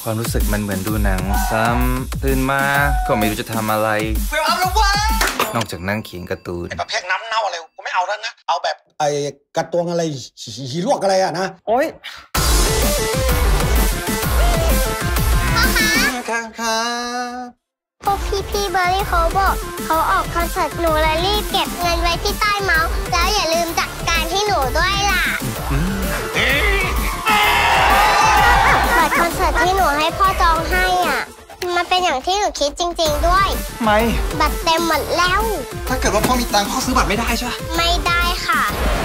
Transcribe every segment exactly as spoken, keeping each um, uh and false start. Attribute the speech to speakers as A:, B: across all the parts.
A: ความรู้สึกมันเหมือนดูหนังซ้ำตื่นมาก็ไม่รู้จะทำอะไรนอกจากนั่งเขียนการ์ตูน
B: ประเภทน้ำเน่าอะไรกูไม่เอาแล้วนะเอาแบบไอ้กระตวงอะไรหีลวกอะไรอะนะโอ๊ย
C: ครับพวกพี่พี่เบอร์รี่เขาบอกเขาออกคอนเสิร์ตหนูเลยรีบเก็บเงินไว้ที่ใต้เมาส์แล้วอย่าลืมจัดการที่หนูด้วยล่ะบัตรคอนเสิร์ตที่หนูให้พ่อจองให้อ่ะมันเป็นอย่างที่หนูคิดจริงๆด้วย
A: ไม่
C: บัตรเต็มหมดแล้ว
B: ถ้าเกิดว่าพ่อมีตังค์พ่อซื้อบัตรไม่ได้ใช่ไหม
C: ไม่ได้ค่ะ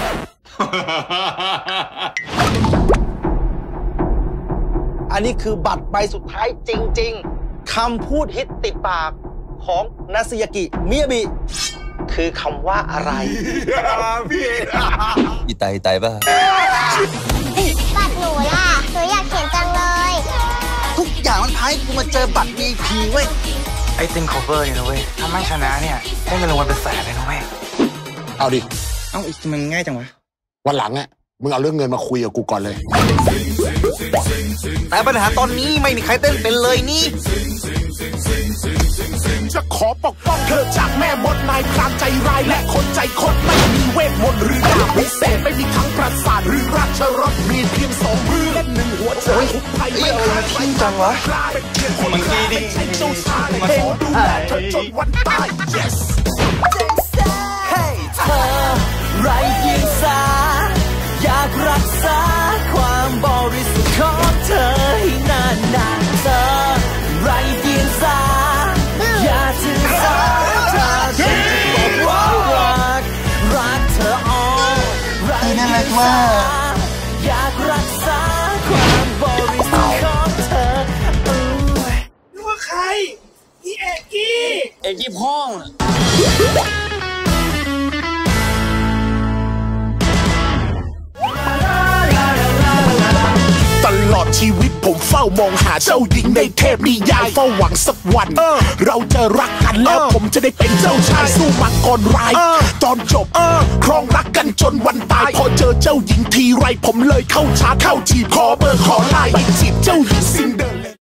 B: อันนี้คือบัตรใบสุดท้ายจริงๆคำพูดฮิตติดปากของนาซิยากิมิยาบิคือคำว่าอะไรพี่
A: อีไตไตป่ะ
C: บัตรหนูล่ะหนูอยากเขียนจังเลย
B: ทุกอย่างมันพายกูมาเจอบัตร วี ไอ พี เว้ย
A: ไอ้ติงคอเวอร์เนี่ยนะเว้ยถ้าไม่ชนะเนี่ยได้เงินรางวัลเป็นแสนเลยนะเว้ย
B: เอาดิ
A: เอ้าอีกมันง่ายจังวะ
B: วันหลังอ่ะมึงเอาเรื่องเงินมาคุยกับกูก่อนเลย
A: แต่ปัญหาตอนนี้ไม่มีใครเต้นเป็นเลยนี่
D: จะขอปกป้องเธอจากแม่มดนายพรานใจร้ายและคนใจคดไม่มีเวทมนต์หรือดาบพิเศษไม่มีทั้งประสาทหรือราชรสมีเพียงสองมือและหนึ่งหัวใจไทยไม่ขาดทิ้งจังวะ
A: มันดีดิ
D: เจ้าชายเองดูแลเธอจนวันตาย yes
E: ให้เธอไร้เดียงสาอยากรักษาความบริสุทธิ์ของเธอให้นานนานเธอไร้เดียงสาอย่าถือสาถ้าฉันจะบอกว่ารักรักเธออ่อนไร้เดียงสาอยากรักษาความบริสุทธิ์ของเธอ
D: นึกว่าใครอีเอกกี้
A: เอกกี้พ่อง
D: ตลอดชีวิตผมเฝ้ามองหาเจ้าหญิงในเทพนิยายเฝ้าหวังสักวันเราจะรักกันแล้วผมจะได้เป็นเจ้าชายสู้มังกรร้ายตอนจบครองรักกันจนวันตายพอเจอเจ้าหญิงทีไรผมเลยเข้าชาร์จเข้าจีบขอเบอร์ขอไลน์ไปจีบเจ้าหญิงซินเดอเรลล่า